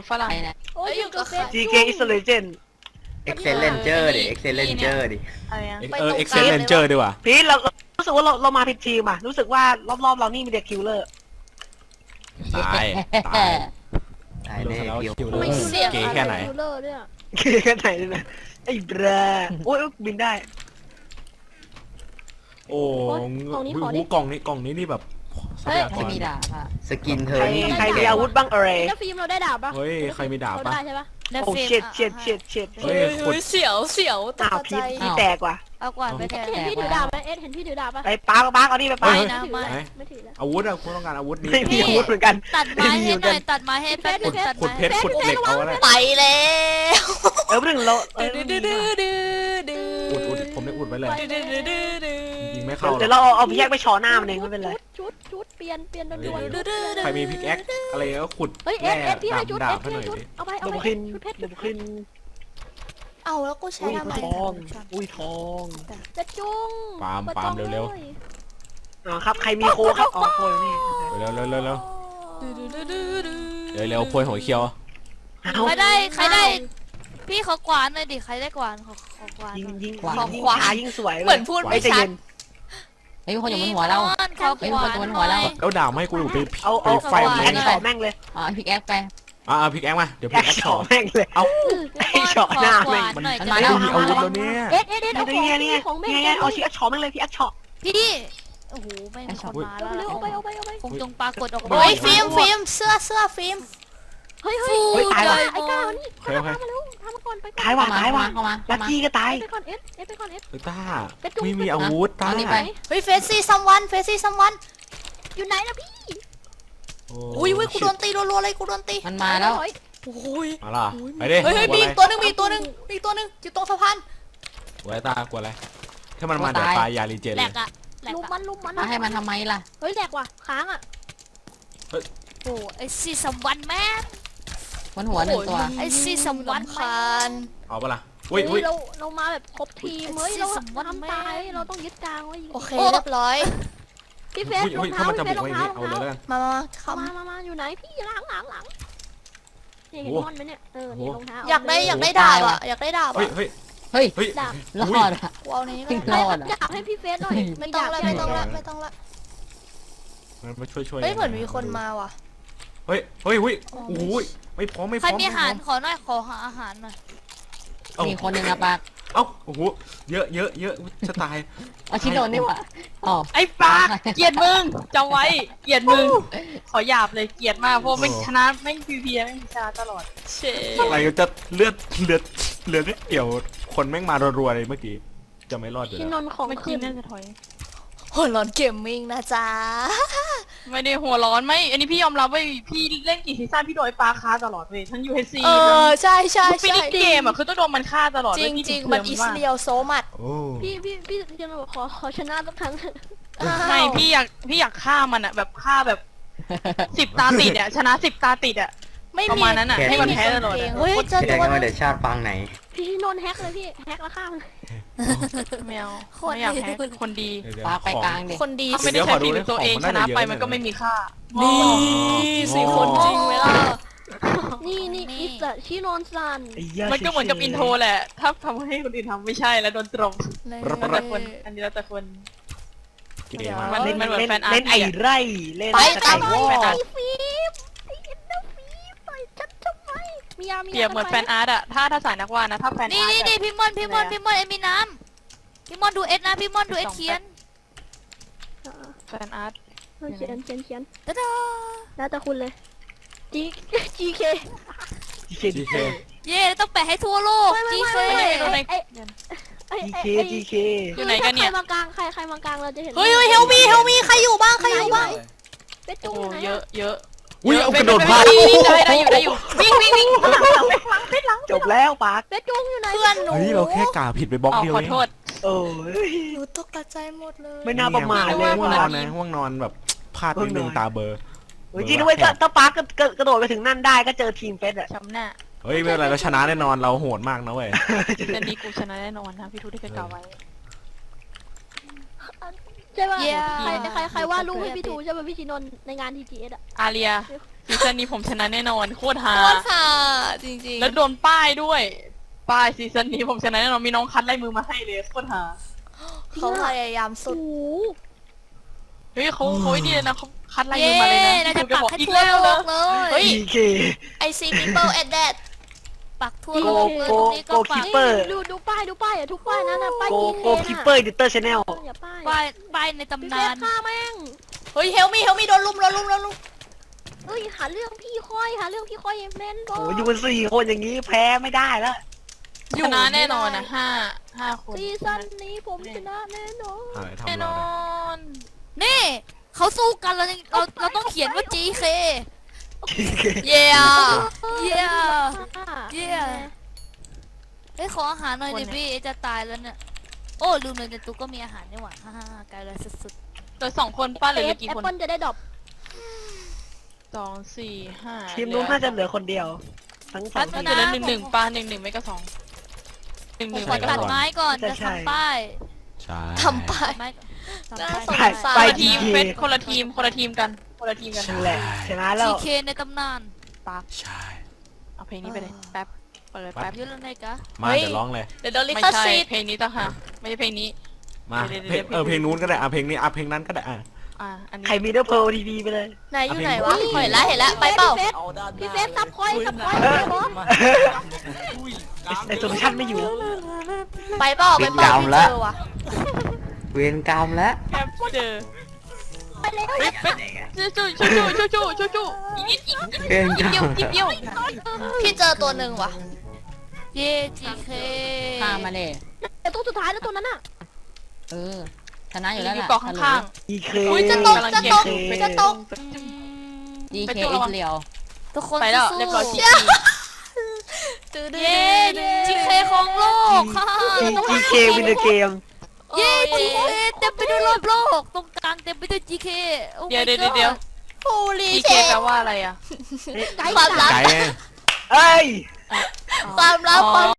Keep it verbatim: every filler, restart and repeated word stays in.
ฝรั่งโอ้ยอยู่กับเฟซจี เค Intelligent Excellencer ดิ Excellencer ดิอะไรนะเออ Excellencer ดีกว่าพี่เรารู้สึกว่าเราเรามาผิดทีมอ่ะรู้สึกว่ารอบๆเรานี่มีแต่คิลเลอร์ตายตายตายแน่แล้วเดียวคิวเลไม่ยเสียงเก๋แค่ไหนคิวเลอร์เนี่ยเก๋แค่ไหนเลยนะไอ้แบรโอ้ยบินได้โอ้หูกล่องนี้กล่องนี้นี่แบบทรัพยากรมีดาบอ่ะสกินเธอใครนี่ใครมีอาวุธบ้างอะไรแล้วฟิล์มเราได้ดาบปะเฮ้ยใครมีดาบเราปะได้ใช่ปะโอ้เช็ดเช็ดเช็ดเช็ดเฮ้ยขุดเสียวเสียวตอ้าวกพีใจพีแตกว่ะเอากวาดไปแทนเห็นพี่ถือดาบไหมเอ็ดเห็นพี่ถือดาบปะไอ้ปาร์กปาร์กเอานี่ไปปาร์กไม่ไม่นะถือไม่แล้วไม่ถือแล้วอาวุธอะคุณต้องการอาวุธดีไม่มีอาวุธเหมือนกันตัดไม้ให้หน่อยตัดไม้ให้แป๊บนึงตัดขุดไม้เพชรขุดเหล็กเอาไว้ไปแล้วเออเรื่องเราเออดื้อดื้อดื้อดื้อดื้ออุดอุดผมได้อุดไว้เลยดื้อดื้อดื้อดื้อยิงไม่เข้าหรเดี๋ยวอกเราเอาเอาพี่แยกไปชอหน้ามันเองไม่เป็นไรชุดชุดเปลี่ยนเปลี่ยนด่วนดื้อดื้อดื้อใครมีพิกแอคอะไรก็ขุดเฮ้ยเอ็ดเอ็ดพี่ให้ชุดดาเอ็บดให้พี่หน่ให้อยชุดดิเอาไปเอาดูไปขึ้นชุดเพชรดูขึ้นเอาแล้วกูใช้อุ้ยทำไมทองอุ้ยทองจะจุ้งปาล์มปาล์มเร็วอ๋อครับใครมีโคครับอ๋อโคนี่เร็วเร็วเร็วเร็วดื้อดื้อดื้อดื้อดื้อเร็วเร็วพวยหัวเขียวเอาใครได้ใครได้ พี่เขากวาดหน่อยดิใครได้กวาดขอขอกวาดยิงหน่อยยิงขอยิงขวาช้ายิ่งสวยเหมือนพูดไม่ใจชัเย็ดนเฮ้ยมีคนอยู่บนหัวเราขอเฮ้ยกวาดมีคนอยู่บนหัวเราแล้วดาบให้กูอยู่ไปเอาไปเอาไฟเอามันแอเลคยช็อตแม่งเลยอ๋อพิกแอคไปอ่าพิกแอคมาเดี๋ยวแอพิกคแอคช็ต่ออตแม่งเลยเอาไอ้ช็อตหน้าแม่งหน่อยมันจะมาได้แล้วมีอาวุธแล้วเนี่ยเอ็ดเอ็ดเอ็ดนี่เอาตัวของเนี้ยเนี่ยของแม่เนี่ยเอาชีแอคช็อตแม่งเลยพี่แอคช็อตพี่โอ้โหไม่มีคนมาเอาแล้วเร็วเอาไปเอาไปเอาไปคงจงปรากฏออกเฮ้มาเฮ้ยยฟิล์มฟิล์มเสื้อเสื้อฟิล์มเฮ้ยเฮ้ยเฮ้ยตายว่ะไอ้ก้าวนี่โอเคโอเคทำมาเร็วทำมาก่อนไปก่อนตายว่ะเข้ามาตายว่ะเข้ามาลัเข้าก มากี้ก็ตายไปก่อนเอ็ดเอ็ดไปก่อนเอ็ดเฮ้ยต้าเป็นจุ๊บไม่มีอาวุธต้าเอานี่ไปเฮ้ยเฟซซี่ซัมวันเฟซซี่ซัมวันอยู่ไหนนะพี่อุ้ยอุ้ยกูโดนตีรัวๆเลยกูโดนตีมันมาแล้วโอ้ยมาล่ะไปดิเฮ้ยเฮ้ยมีอีกตัวหนึงมีอีกตัวหนึงมีอีกตัวหนึงอยู่ตรงสะพานกลัวอะไรตากลัวอะไรถ้ามันมาเดี๋ยวตายยาลีเจนแหลเลยกอะแหลกลุมอะมันลุมมันมาให้มันทำไมล่ะเฮ้ยแหลกว่ะค้างอ่ะโอ้ไอซีซัมวันแม่งบนหัวหนึ่งตัวไอซีซัมวันคานเอาปะล่ะอุ้ยอุ้ยเราเรามาแบบครบทีมเฮ้ยเราสมมุติทำตายเราต้องยึดกลางไว้โอเคเรียบร้อยพี่เฟสอุ้ยรออุ้งยถ้าเท้ามันจะพี่เฟบุสกรองไว้อย่างเท้านี้รองเอาเท้าเลยแล้วกันมามามาอยู่ไหนพี่หลังหลังหลังนี่เห็นโอ้มอนไหมเนี่ยเออโอ้นี่รองเท้าอยากได้อยากได้โอ้ดาบตายว่ะอะอยากได้ดาบเฮ้ยอะเฮ้ยเฮ้ยเฮ้ยดาบรอดอ่ะกูเอานี้ก็จริงได้รอดอะดาบให้พี่เฟสหน่อยไม่ต้องละไม่ต้องละไม่ต้องละมันมาช่วยช่วยเฮ้ยเหมือนมีคนมาว่ะเฮ้ยเฮ้ยเฮ้ยโอ้ยไม่พร้อมไม่พใครร้อมมีอาหารขอหน่อยขอหาอาหารหน่อยมีคนหนึ่งอะปากเอ้าโอ้โหเยอะเยอะเยอะจะตายเอาชิโดนนี่หว่าอ๋อไอ้ปากเกลียดมึงจำไว้เกลียดมึงขอหยาบเลยเกลียดมากเพราะไม่ชนะไม่พีพีไม่ชนะตลอดเชอะไรจะเลือดเลือดเลือดนิดเดียวคนแม่งมารัวๆเลยเมื่อกี้จะไม่รอดอยู่ที่นแล้วนของเมื่อขึ้กี้นน่าจะถอยหัวร้อนเกมมิ่งนะจ๊ะไม่ได้หัวร้อนไม่ อันนี้พี่ยอมรับว่าพี่เล่นกี่ซีซั่นพี่โดนไอ้ปลาฆ่าตลอดเลยทั้ง ยู เอช ซีเออใช่ใช่ทุกฟิใช่นิชเกมอ่ะคือต้องโดนมันฆ่าตลอดจริงจริงมันอิสเรียลโซมัดโอ้พี่พี่พี่พี่นนบอกขอขอชนะสักครั้งเถอะไม่พี่อยากพี่อยากฆ่ามันอ่ะแบบฆ่าแบบสิบตาติดอ่ะชนะสิบตาติดอ่ะไม่ประมีมาณนั้นอ่ะให้มันแพ้ตลอดเก่งอะเฮ้ยเจอแสดตังวว่าเดี๋ยวชาติฟังไหนพี่นนแฮกเลยพี่แฮกแล้วฆ่ามันไม่เอาไม่อยากแพ้คนดีเดี๋ยวปากไปกลางดิคนดีถ้าไม่ได้ใช้ฝีมือตัวเองชนะไปมันก็ไม่มีค่านี่สี่คนจริงไหมล่ะนี่นี่นี่อิสระชิโนนซันไอ้เหี้ยมันก็เหมือนกับอินโทรแหละ ถ้าทำให้คนอื่นทำไม่ใช่แล้วโดนตรงเลยแล้วแต่คน อันนี้แล้วแต่คนเก๋มากมันเล่นมันเหมือนเล่นแฟนอาร์ตเล่นไอ้อะไร่เล่นไปตะตามไคไปร้วอไปไอ้ฟิล์มไอ้เอ็นเดอร์ฟิล์มต่อยฉันทำไมมียามีเปรียบเหมือนแฟนอาร์ตอะถ้าถ้าสายนักวาดนะ ถ้าแฟนนี่อาร์ตนี่อะนี่พี่มอนพี่มอนพี่มอนเอ็มมีน้ำพี่มอนดูเอ็ดนะพี่มอนดูเอ็ดเขียนแฟนอาร์ตเออเขียนเขียนเขียนตะดาแล้วแต่คุณเลยจีจีเคจีเคเย่ต้องแปะให้ทั่วโลกจีเคไม่ได้ดูในไอ้ไอ้จีไอ้เคจีเคอยู่ไหนกันเนี่ยใครมากลางใครใครมากลางเราจะเห็นเฮ้ยเฮ้ยเฮลมีเฮลมีใครอยู่บ้างใครอยู่บ้างเป็ดโอ้จุ้งโหไหนเยอะเยอะอุ้ยเอากระโดดพลาดนี่นี่ได้ได้อยู่ได้อยู่วิ่งวิ่งวิ่งหลังหลังหลังหลังจบแล้วปากเป็ดจุ้งอยู่ไหนเพื่อนหนูเฮ้ยเราแค่กาผิดไปบล็อกอ๋อเดียวขอเองโทษโอ้ยหนูตกใจหมดเลยไม่น่าประมาทเลยง่วงนอนนะง่วงนอนแบบพลาดนิดนึงตาเบลอเฮ้ยจริงด้วยถ้าถ้าปาร์กกระโดดไปถึงนั่นได้ก็เจอทีมเฟสอะช้ำหน้าเฮ้ยไม่เป็นไรเราชนะแน่นอนเราโหดมากนะเว้ยแต่นี้กูชนะแน่นอนนะพี่ทูที่เคยกล่าวไว้จช่ป่ะเย้ใครใครใครว่าลูกให้พี่ทูใช่ป่ะพี่ชินนท์ในงาน ที จี เอส อ่ะอาเรียซีซั่นนี้ผมชนะแน่นอนโคตรฮาโคตรค่ะจริงๆแล้วโดนป้ายด้วย ป้ายซีซั่นนี้ผมชนะแน่นอนมีน้องคัดไล่มือมาให้เลยโคตรฮาเขาพยายามสุโอ้ดโหเฮ้ยเขาเขาไอ้นี่เลยนะเขาคัดไล่เย้มือมาเลยนะเราจะพี่ปักบอกให้อีกทั่วแล้วโลนะกเลเฮ้ยยดีเค I see people at that ปักทั่วโลกเลยโกตรงนี้ก็โกปัคิกปเปอร์ดูดูป้ายดูป้ายอ่ะทุกป้ายนั้นอ่ะป้ายโกดีเคโกคิปเปอร์ดิเตอร์ชแนลอย่าป้ายป้ายป้ายในพี่ตำเฟนานสฆ่าแม่งเฮ้ยเฮลมี่เฮลมี่โดนลุมโดนลุมโดนลุมเอ้ยหาเรื่องพี่ค่อยหาเรื่องพี่ค่อยแม่นบอโอ้อยู่กันสี่คนอย่างนี้แพ้ไม่ได้แล้วชนะแน่นอนนะห้าห้าคนซีซั่นนี้ผมชนะแน่นอนอะไรทำแน่นเราอเนี่ยนนี่เขาสู้กันเรายังเราเราต้องเขียนว่า จี เค เย้ เย้ เย้ เฮ้ยขออาหารหน่อยดิพี่จะตายแล้วเนี่ยโอ้ลืมเลยในตู้ก็มีอาหารนี่หว่าฮ่าฮ่าไกลเลยสุดเหลือสองคนป้าเหลือเหลือกี่แอปคนเปิลจะได้ดรอปสองสี่ห้าทีมนู้นน่าจะเหลือคนเดียว ทั้งสองน่าทีจะมเหลือหนึ่งหนึ่งป้าหนึ่งหนึ่งไม่ก็สองหนึ่งๆหผมนึ่งขอไม่ก็ตัดสองไม้ก่อนจะจะใช่ทำป้ายใช่ทำป้ายไม้ก่อนทำป้ายไปคไปนละทีมเฟสคนละทีมคนละทีมกันคนละทีมกันนั่นแหละชนะแล้จีวเคในตำนานใช่เอาเพลงนี้ไปเลยแป๊บเปิดแป๊บเยอะแล้วไงกะมาเดี๋ยวร้องเลยเดี๋ยวโดนลิไม่ขใช่สิทธิ์เพลงนี้ต่างหากไม่ใช่เพลงนี้มาเดี๋ยวเพลงเดี๋ยวเออเพลงนู้นก็ได้อ่ะเพลงนี้อ่ะเพลงนั้นก็ได้อ่ะอ่าอันนี้ใครมีเดอร์เพลทีดีไปเลยไหนอยู่ไหนวะเอาเพลงเห็นแล้วเห็นแล้วไปเปล่าพี่เฟสซับคอยซับคอยเออบอสไอโซลูชันไม่อยู่ไปเปล่าไปเปล่าไม่เจอว่ะเวรกรรมแล้วแป๊บเจอไปแล้วเฮ้ยเป็ดชูชูชูชูชูชูชูอีกนิดอีกนิดเวรกรรเดียวมนิดเดียวพี่เจอตัวหนึ่งว่ะเย่จีเคฆ่ามาเลยแต่ตัวสุดท้ายแล้วตัวนั้นอ่ะเออชนะอยู่แล้วอยู่ล่ะเกาะข้างดีเคอุ้ยจะตกจะตกจะตกดีเคอิสเรียวทุกคนๆไปแล้วสู้เรียบร้อยจีเย้จีเคของโลกค่ะดีเควินเดอร์เกมเย้จีเคเต็มไปด้วยรอบโลกตรงกลางเต็มไปด้วยจีเคเดี๋ยวเดี๋ยวเดี๋ยวโฮลีจีเชเคแปลว่าอะไรอ่ะไกด์ความลับไก่ไงเอ้ยความลับความ